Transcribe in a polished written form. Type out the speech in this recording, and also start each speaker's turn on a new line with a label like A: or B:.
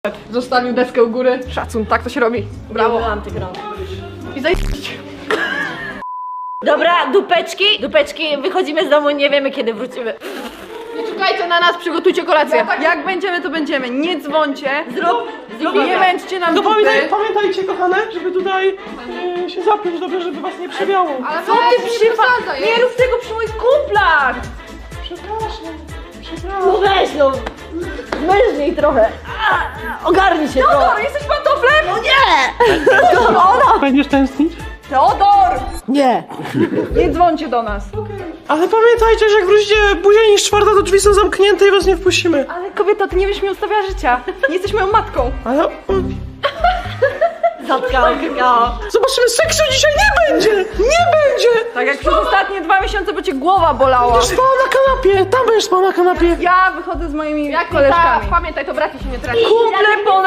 A: Zostawił deskę u góry. Szacun, tak to się robi. Brawo. I zajebiście.
B: Dobra, dupeczki, wychodzimy z domu, nie wiemy kiedy wrócimy.
A: Nie czekajcie na nas, przygotujcie kolację. Jak będziemy, to będziemy. Nie dzwońcie. Nie męczcie nam
C: No
A: dupy.
C: pamiętajcie, kochane, żeby tutaj się zapiąć dobrze, żeby was nie przewiało.
A: Ale co ty przypada?
B: Nie rób tego przy moich kumplach!
C: Przepraszam.
B: No weź no! Mężniej trochę! Ogarnij się trochę!
A: Teodor, jesteś pantoflem?
B: No nie!
C: Będziesz tęsknić?
A: Teodor!
B: Nie!
A: Nie dzwońcie do nas.
C: Ale pamiętajcie, że jak wrócicie później niż 4, to drzwi są zamknięte i was nie wpuścimy.
A: Ale kobieto, ty nie wiesz mi ustawia życia. Nie jesteś moją matką.
C: Ale
B: Zatkał.
C: zobaczymy, seksu dzisiaj nie będzie! Nie będzie!
A: Tak jak przez ostatnie 2 miesiące, bo cię głowa bolała.
C: Będziesz spała na kanapie, tam będziesz spała na kanapie.
A: Ja wychodzę z moimi koleżkami. Pamiętaj, to braci się nie traci. Kumple po